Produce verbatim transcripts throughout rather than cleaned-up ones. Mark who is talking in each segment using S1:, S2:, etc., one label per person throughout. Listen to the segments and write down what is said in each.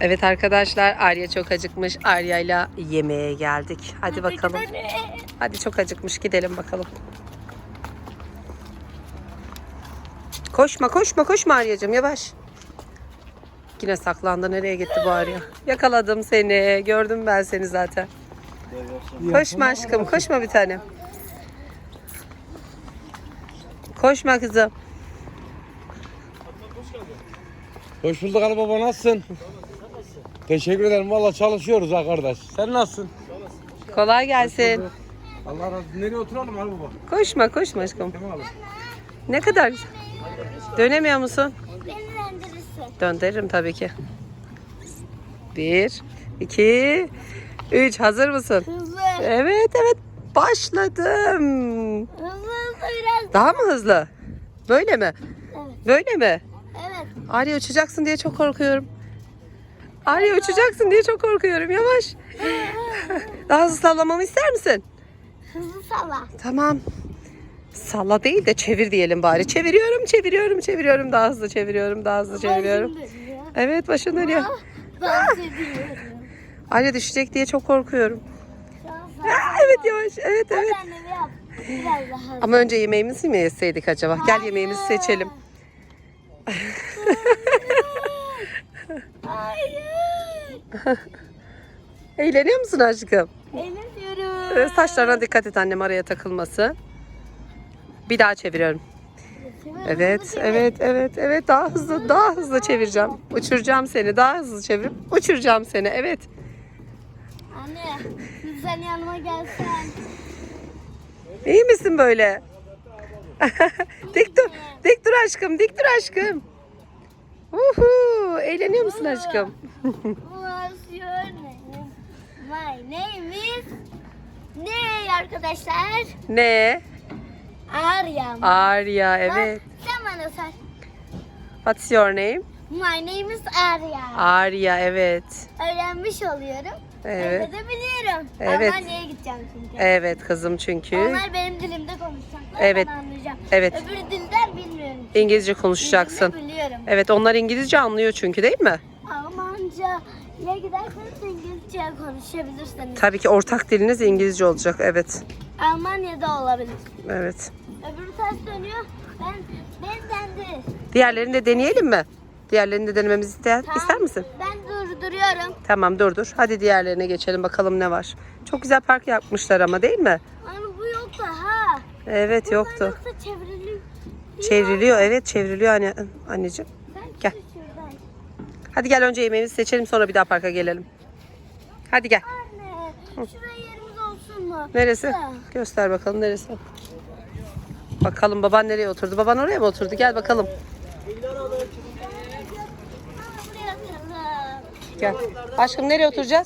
S1: Evet arkadaşlar, Arya çok acıkmış. Arya'yla yemeğe geldik. Hadi bakalım. Hadi, çok acıkmış, gidelim bakalım. Koşma koşma koşma Arya'cığım, yavaş. Yine saklandı. Nereye gitti bu Arya? Yakaladım seni. Gördüm ben seni zaten. Koşma aşkım, koşma bir tanem. Koşma kızım.
S2: Hoş bulduk Ali baba, nasılsın? Teşekkür ederim, valla çalışıyoruz ha kardeş. Sen nasılsın?
S1: Kolay gelsin.
S2: Allah razı olsun. Nereye oturalım Ali baba?
S1: Koşma koşma aşkım.
S2: Tamam abi.
S1: Ne kadar güzel. Dönemiyor musun?
S3: Beni döndürürsün.
S1: Döndürürüm tabii ki. Bir, iki, üç. Hazır mısın?
S3: Hızlı.
S1: Evet evet. Başladım.
S3: Hızlı hızlı biraz.
S1: Daha mı hızlı? Böyle mi?
S3: Evet.
S1: Böyle mi?
S3: Evet.
S1: Arya uçacaksın diye çok korkuyorum. Arya uçacaksın diye çok korkuyorum. Yavaş. Daha hızlı sallamamı ister misin?
S3: Hızlı salla.
S1: Tamam. Salla değil de çevir diyelim bari. Çeviriyorum, çeviriyorum, çeviriyorum. Daha hızlı çeviriyorum, daha hızlı çeviriyorum.
S3: Başım dönüyor.
S1: Evet, başın dönüyor.
S3: Ah, dans ediyorum.
S1: Arya düşecek diye çok korkuyorum.
S3: Şu an
S1: Aa,
S3: salla.
S1: evet yavaş, evet
S3: Hadi
S1: evet.
S3: annemi yap. Biraz daha hızlı.
S1: Ama önce yemeğimizi mi yeseydik acaba? Gel yemeğimizi seçelim.
S3: Hayır.
S1: Eğleniyor musun aşkım?
S3: Eğleniyorum.
S1: Ee, Saçlarına dikkat et annem, araya takılması. Bir daha çeviriyorum. Evet, evet, evet, evet. Daha hızlı, daha hızlı çevireceğim. Uçuracağım seni. Daha hızlı çevirip uçuracağım seni. Evet.
S3: Anne, sen yanıma gelsen.
S1: İyi misin böyle? Dik dur. Dik dur aşkım. Dik dur aşkım. Uhu, eğleniyor musun aşkım?
S3: What's your name? My name is ne arkadaşlar?
S1: Ne?
S3: Arya.
S1: Arya, evet.
S3: Sen bana sor.
S1: What's your name?
S3: My name is Arya.
S1: Arya, evet.
S3: Öğrenmiş oluyorum.
S1: Evet.
S3: Evde de biliyorum.
S1: Evet.
S3: Almanya'ya gideceğim çünkü.
S1: Evet kızım çünkü.
S3: Onlar benim dilimde konuşacaklar.
S1: Evet.
S3: Ben anlayacağım.
S1: Evet.
S3: Öbür dilden bilmiyorum.
S1: İngilizce konuşacaksın.
S3: Dilini biliyorum.
S1: Evet, onlar İngilizce anlıyor çünkü, değil mi?
S3: Almanca ya giderseniz İngilizce konuşabilirsiniz.
S1: Tabii ki ortak diliniz İngilizce olacak. Evet.
S3: Almanya'da olabilir.
S1: Evet.
S3: Öbürü ters dönüyor. Ben benden de.
S1: Diğerlerini de deneyelim mi? Diğerlerini de denememizi ister, ister misin?
S3: Ben durduruyorum.
S1: Tamam, dur dur. Hadi diğerlerine geçelim bakalım ne var. Çok güzel park yapmışlar ama, değil mi?
S3: Hani bu yoktu ha.
S1: Evet,
S3: Bunlar
S1: yoktu.
S3: yoksa çevriliyor.
S1: Çevriliyor. Evet, çevriliyor anne, anneciğim.
S3: Ben
S1: Gel.
S3: şuradan.
S1: Hadi gel, önce yemeğimizi seçelim, sonra bir daha parka gelelim. Hadi gel.
S3: Anne, şuraya yerimiz olsun mu?
S1: Neresi?
S3: Şuraya.
S1: Göster bakalım neresi. Bakalım baban nereye oturdu? Baban oraya mı oturdu? Gel bakalım.
S3: Buraya oturalım.
S1: Gel. Aşkım, nereye oturacağız?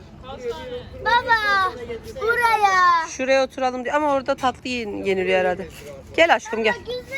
S3: Baba, buraya.
S1: Şuraya oturalım diye. Ama orada tatlı yen- yeniliyor herhalde. Gel aşkım, gel.
S3: Güzel.